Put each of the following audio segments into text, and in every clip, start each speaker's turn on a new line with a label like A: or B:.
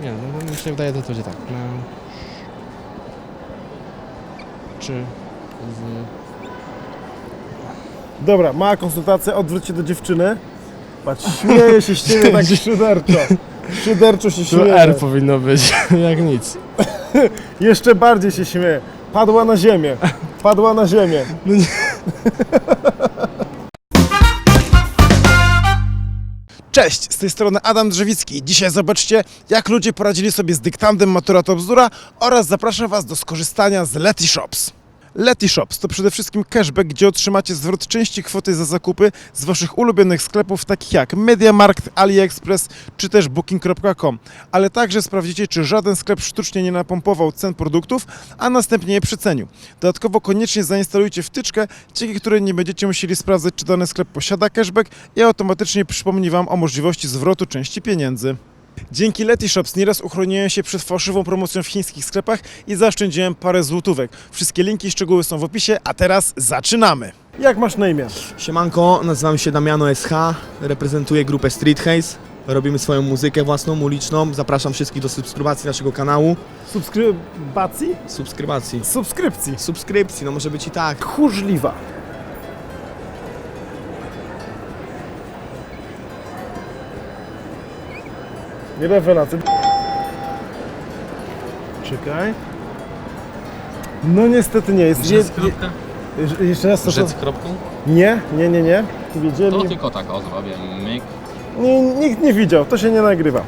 A: Nie, no mi się wydaje, że to będzie tak. Czy z...
B: Dobra, mała konsultacja, odwróć się do dziewczyny. Patrz, śmieje się z ciebie tak szyderczo. Szyderczo się
A: Tu
B: śmieje.
A: R powinno być, jak nic.
B: Jeszcze bardziej się śmieje. Padła na ziemię. Padła na ziemię.
A: No nie.
B: Cześć, z tej strony Adam Drzewicki. Dzisiaj zobaczcie, jak ludzie poradzili sobie z dyktandem Matura to bzdura oraz zapraszam Was do skorzystania z Letyshops. Letyshops to przede wszystkim cashback, gdzie otrzymacie zwrot części kwoty za zakupy z Waszych ulubionych sklepów, takich jak MediaMarkt, AliExpress czy też Booking.com, ale także sprawdzicie, czy żaden sklep sztucznie nie napompował cen produktów, a następnie je przecenił. Dodatkowo koniecznie zainstalujcie wtyczkę, dzięki której nie będziecie musieli sprawdzać, czy dany sklep posiada cashback i automatycznie przypomni Wam o możliwości zwrotu części pieniędzy. Dzięki Letyshops nieraz uchroniłem się przed fałszywą promocją w chińskich sklepach i zaoszczędziłem parę złotówek. Wszystkie linki i szczegóły są w opisie, a teraz zaczynamy! Jak masz na imię?
C: Siemanko, nazywam się Damiano SH, reprezentuję grupę Street Haze. Robimy swoją muzykę własną, uliczną. Zapraszam wszystkich do subskrybacji naszego kanału.
B: Subskrybacji?
C: Subskrypcji, no może być i tak.
B: Tchórzliwa. Nie rewelacja. Czekaj. No niestety nie jest.
D: Rzec kropka?
B: Jeszcze raz to.
D: Rzec kropką?
B: Nie. Tu wiedzieli.
D: To tylko tak o zrobię, myk.
B: Nikt nie widział, to się nie nagrywa.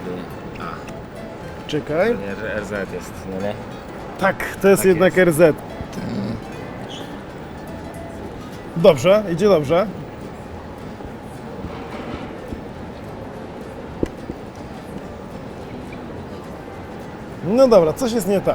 B: Czekaj.
E: Nie, RZ jest, nie?
B: Tak, to jest
E: Tak
B: jednak
E: jest.
B: RZ. Dobrze, idzie dobrze. No dobra, coś jest nie tak.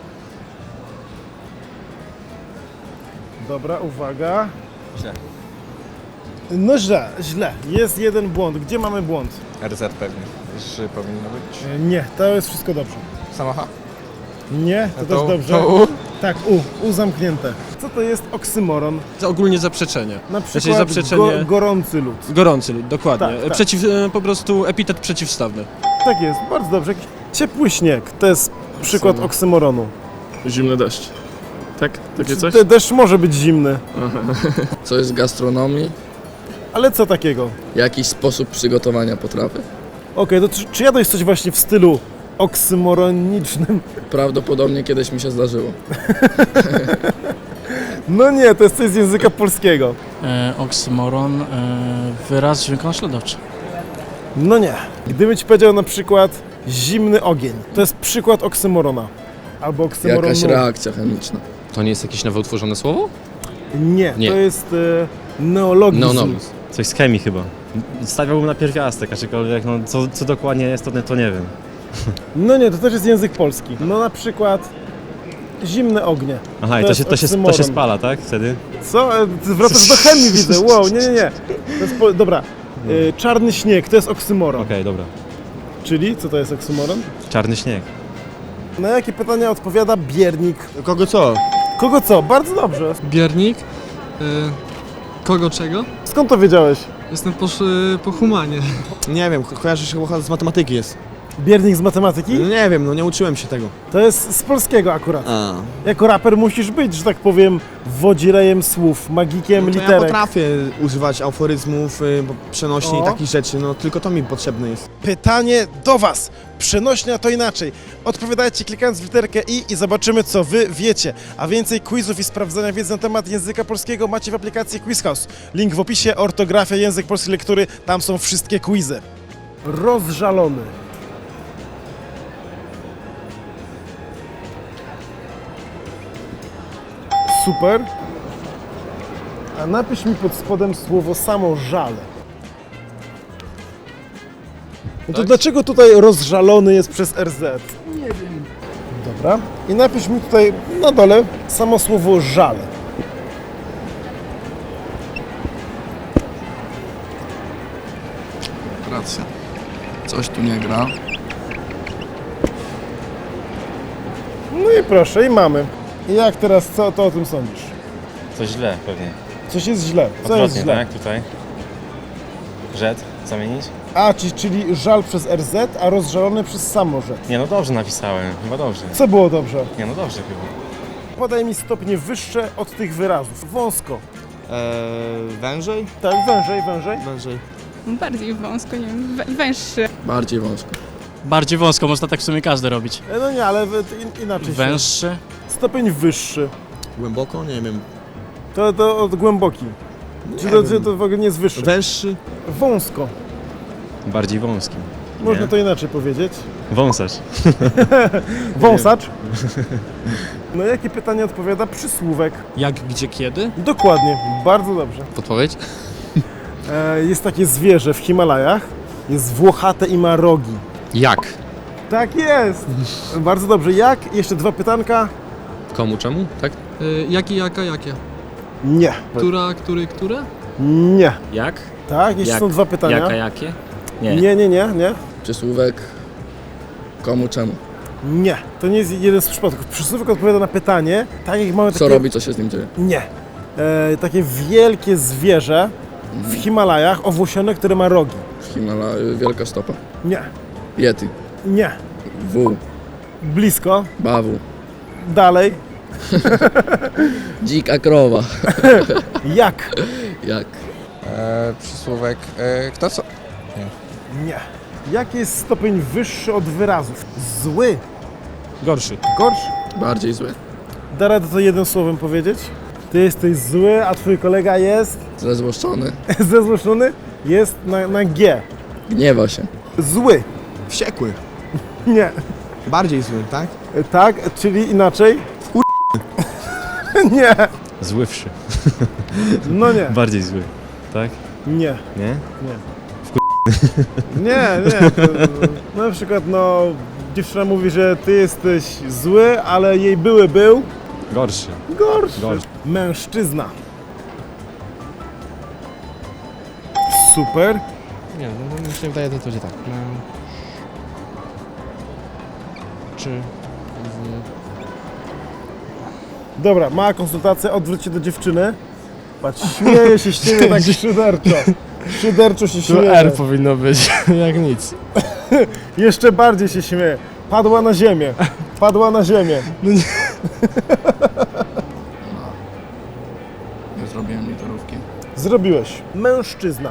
B: Dobra, uwaga.
E: Źle.
B: No źle. Jest jeden błąd. Gdzie mamy błąd?
E: RZ pewnie. Że powinno być.
B: Nie, to jest wszystko dobrze.
E: Samocha.
B: Nie, to też dobrze.
A: To U?
B: Tak, U zamknięte. Co to jest oksymoron?
A: To ogólnie zaprzeczenie.
B: Na przykład
A: Znaczy zaprzeczenie...
B: gorący lód.
A: Gorący lud, dokładnie.
B: Tak, tak.
A: Po prostu epitet przeciwstawny.
B: Tak jest, bardzo dobrze. Jakiś ciepły śnieg, to jest przykład oksymoronu.
F: Zimny deszcz. Tak? Takie coś?
B: Deszcz może być zimny,
G: Coś z gastronomii,
B: ale co takiego?
G: jakiś sposób przygotowania potrawy.
B: Okej, to czy jadłeś coś właśnie w stylu oksymoronicznym?
G: Prawdopodobnie kiedyś mi się zdarzyło.
B: No nie, to jest coś z języka polskiego.
H: Oksymoron, wyraz dźwiękonaśladowczy.
B: No nie. Gdybym ci powiedział na przykład zimny ogień, to jest przykład oksymorona. Albo oksymoronu.
G: Jakaś reakcja chemiczna.
D: To nie jest jakieś nowo utworzone słowo?
B: Nie,
D: Nie.
B: to jest neologizm.
D: Neonomizm.
I: Coś z chemii chyba. Stawiałbym na pierwiastek, aczkolwiek no, co dokładnie jest, to nie wiem.
B: No nie, to też jest język polski. No na przykład zimne ognie.
I: Aha,
B: To
I: i
B: jest
I: to się
B: oksymoron.
I: spala, tak? Wtedy?
B: Co? Ty wracasz do chemii, widzę. Wow, nie. To jest dobra. Czarny śnieg to jest oksymoron.
I: Okej, dobra.
B: Czyli co to jest oksymoron?
I: Czarny śnieg.
B: Na jakie pytania odpowiada biernik?
A: Kogo co?
B: Kogo co? Bardzo dobrze.
J: Biernik? Kogo czego?
B: Skąd to wiedziałeś?
J: Jestem po humanie.
C: Nie wiem, kojarzy się chyba z matematyki jest.
B: Biernik z matematyki?
C: Nie wiem, no nie uczyłem się tego.
B: To jest z polskiego akurat.
C: A.
B: Jako raper musisz być, że tak powiem, wodzirejem słów, magikiem
C: No to ja
B: literek.
C: potrafię używać aforyzmów, przenośni
B: O.
C: i takich rzeczy, no tylko to mi potrzebne jest.
B: Pytanie do Was. Przenośnia to inaczej. Odpowiadajcie klikając w literkę i zobaczymy, co Wy wiecie. A więcej quizów i sprawdzania wiedzy na temat języka polskiego macie w aplikacji Quiz House. Link w opisie, ortografia, język polski, lektury, tam są wszystkie quizy. Rozżalony. Super. A napisz mi pod spodem słowo samo żal. No to dlaczego tutaj rozżalony jest przez RZ? Nie wiem. Dobra. I napisz mi tutaj na dole samo słowo żal.
G: Racja. Coś tu nie gra.
B: No i proszę, i mamy. I jak teraz, co to o tym sądzisz?
I: Coś źle pewnie.
B: Coś jest źle. Co jest
I: Odwrotnie,
B: źle?
I: tak? Tutaj. Rzec zamienić?
B: A, czyli żal przez RZ, a rozżalony przez samorzec.
I: Nie no dobrze napisałem, chyba dobrze.
B: Co było dobrze?
I: Nie no dobrze chyba.
B: Podaj mi stopnie wyższe od tych wyrazów. Wąsko.
C: Wężej?
B: Tak, wężej.
C: Wężej.
K: Bardziej wąsko, nie wiem, węższy.
G: Bardziej wąsko.
H: Bardziej wąsko, można tak w sumie każdy robić.
B: No nie, ale inaczej.
H: Węższy.
B: Stopień wyższy.
C: Głęboko? Nie wiem.
B: To od głęboki. Czy to w ogóle nie jest wyższy?
C: Węższy?
B: Wąsko.
I: Bardziej wąskim.
B: Można to inaczej powiedzieć.
I: Wąsacz.
B: Wąsacz. No jakie pytanie odpowiada przysłówek?
A: Jak, gdzie, kiedy?
B: Dokładnie, bardzo dobrze.
D: Podpowiedź?
B: Jest takie zwierzę w Himalajach. Jest włochate i ma rogi.
D: Jak?
B: Tak jest. Bardzo dobrze. Jak? Jeszcze dwa pytanka.
D: Komu, czemu? Tak?
J: Jaki, jaka, jakie?
B: Nie.
J: Która, który, które?
B: Nie.
A: Jak?
B: Tak, jeszcze są dwa pytania.
A: jakie?
B: Nie.
G: Przysłówek komu, czemu.
B: Nie. To nie jest jeden z przypadków. Przysłówek odpowiada na pytanie, tak jak mamy
G: Co
B: takie...
G: robi, co się z nim dzieje.
B: Nie. Takie wielkie zwierzę w Himalajach, owłosione, które ma rogi.
G: Wielka stopa.
B: Nie.
G: Yeti.
B: Nie.
G: W.
B: Blisko.
G: Bawu.
B: Dalej.
G: Dzika krowa.
B: Jak?
G: Jak?
E: Przysłówek, kto co?
B: Nie. Jaki jest stopień wyższy od wyrazów? Zły.
A: Gorszy.
B: Gorszy.
G: Bardziej zły.
B: Da radę to jednym słowem powiedzieć? Ty jesteś zły, a twój kolega jest
G: Zezłoszczony.
B: zezłoszczony? Jest na G.
G: Gniewa się.
B: Zły.
C: Wściekły.
B: Nie.
C: Bardziej zły, tak?
B: Tak, czyli inaczej? Nie.
I: Zływszy.
B: No nie.
I: Bardziej zły. Tak?
B: Nie.
I: Nie?
B: Nie. Na przykład, dziewczyna mówi, że ty jesteś zły, ale jej były był
I: Gorszy.
B: gorszy.
I: Gorszy.
B: Mężczyzna. Super.
E: Nie, no mi się wydaje, że to będzie tak. Czy...
B: Dobra, mała konsultacja, odwróć się do dziewczyny. Patrz, śmieje się z ciebie tak szyderczo. Szyderczo się śmieje.
E: powinno być, jak nic.
B: Jeszcze bardziej się śmieje. Padła na ziemię. Padła na ziemię.
G: Nie zrobiłem literówki.
B: Zrobiłeś. Mężczyzna.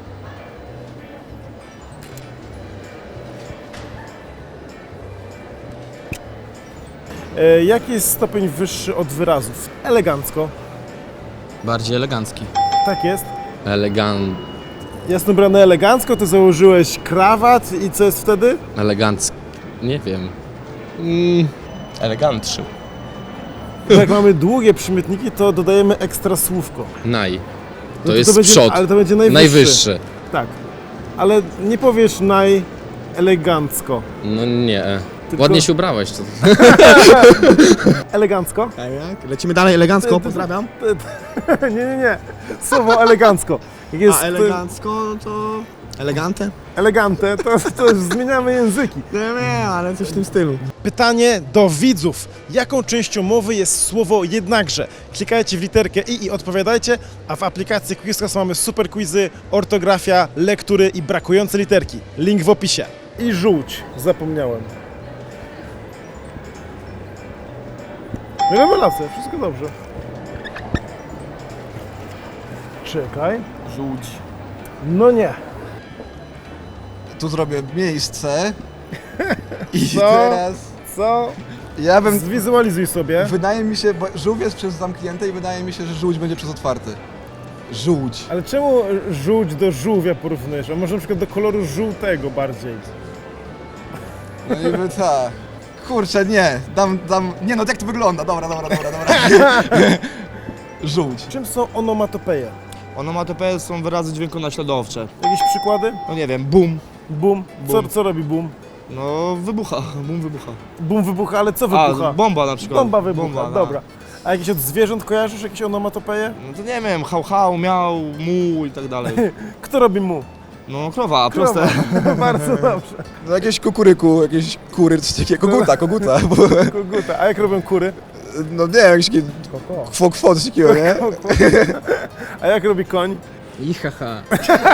B: Jaki jest stopień wyższy od wyrazów? Elegancko.
D: Bardziej elegancki.
B: Tak jest. Jasno brane elegancko, ty założyłeś krawat i co jest wtedy?
D: Elegancki. Nie wiem.
E: Elegantszy.
B: Jak mamy długie przymiotniki, to dodajemy ekstra słówko.
D: Naj.
B: No
D: To jest
B: będzie,
D: przód.
B: Ale to będzie najwyższy.
D: Najwyższy.
B: Tak. Ale nie powiesz najelegancko.
D: No nie.
B: Tylko-
D: Ładnie się ubrałeś. To...
B: Elegancko?
C: Tak, jak? Lecimy dalej elegancko, pozdrawiam.
B: Nie. Słowo elegancko. Jak jest
C: A elegancko, to... Elegante?
B: elegante, to już zmieniamy języki.
C: Nie, ale coś w tym stylu.
B: Pytanie do widzów. Jaką częścią mowy jest słowo jednakże? Klikajcie w literkę i odpowiadajcie, a w aplikacji Quizcast mamy super quizy, ortografia, lektury i brakujące literki. Link w opisie. I żółć. Zapomniałem. Rewelacja, wszystko dobrze. Czekaj.
E: Żółć.
B: No nie.
E: Tu zrobię miejsce. I
B: Co?
E: teraz...
B: Co?
E: Ja bym...
B: Zwizualizuj sobie.
E: Wydaje mi się, bo żółw jest przez zamknięte i wydaje mi się, że żółć będzie przez otwarty. Żółć.
B: Ale czemu żółć do żółwia porównujesz? A może na przykład do koloru żółtego bardziej?
E: No niby tak. Kurczę, nie. Nie no, jak to wygląda? Dobra. Żółć.
B: Czym są onomatopeje?
C: Onomatopeje są wyrazy dźwiękonaśladowcze.
B: Jakieś przykłady?
C: No nie wiem, boom.
B: Boom.
C: Boom.
B: Co robi boom?
C: No wybucha, boom wybucha.
B: Boom wybucha, ale co wybucha?
C: A, bomba na przykład.
B: Bomba wybucha,
C: Bomba, no.
B: dobra. A jakieś od zwierząt kojarzysz? Jakieś onomatopeje?
C: No to nie wiem, hał, miał, mu i tak dalej.
B: Kto robi mu?
C: No krowa,
B: Krowa.
C: proste.
B: Bardzo dobrze.
E: No jakieś kukuryku, jakieś kury, coś takiego. Koguta. Bo,
B: Koguta. A jak robią kury?
E: no nie wiem, jakieś takie
B: Koko.
E: kwo, coś takiego, nie?
B: A jak robi koń?
D: I haha.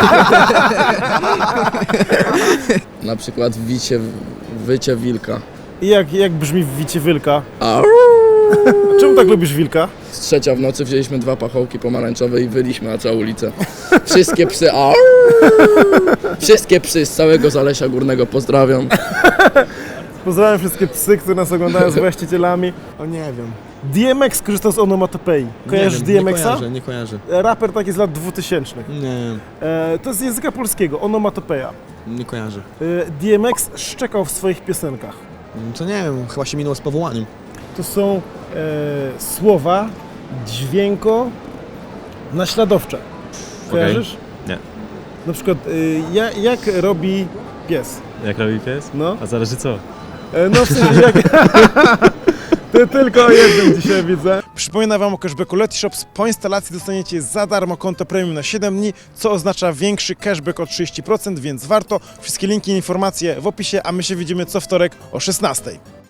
G: Na przykład wycie wilka.
B: I jak brzmi wicie wilka?
G: A
B: Czemu tak lubisz wilka?
G: z 3 w nocy wzięliśmy 2 pachołki pomarańczowe i wyliśmy na całą ulicę. Wszystkie psy, wszystkie psy z całego Zalesia Górnego pozdrawiam.
B: Pozdrawiam wszystkie psy, które nas oglądają z właścicielami.
C: O nie wiem.
B: DMX korzystał z onomatopei. Kojarzysz
C: nie wiem,
B: DMX-a?
C: Nie kojarzę.
B: Raper taki z lat 2000.
C: Nie,
B: To jest z języka polskiego, onomatopeja.
C: nie kojarzę.
B: DMX szczekał w swoich piosenkach.
C: To nie wiem, chyba się minęło z powołaniem.
B: To są słowa dźwięko-naśladowcze. Kojarzysz?
I: Nie.
B: Na przykład jak robi pies?
I: Jak robi pies?
B: No.
I: A zależy co?
B: No w sensie jak... To tylko o jednym dzisiaj widzę. Przypominam Wam o cashbacku Letyshops. Po instalacji dostaniecie za darmo konto premium na 7 dni, co oznacza większy cashback o 30%, więc warto. Wszystkie linki i informacje w opisie, a my się widzimy co wtorek o 16:00.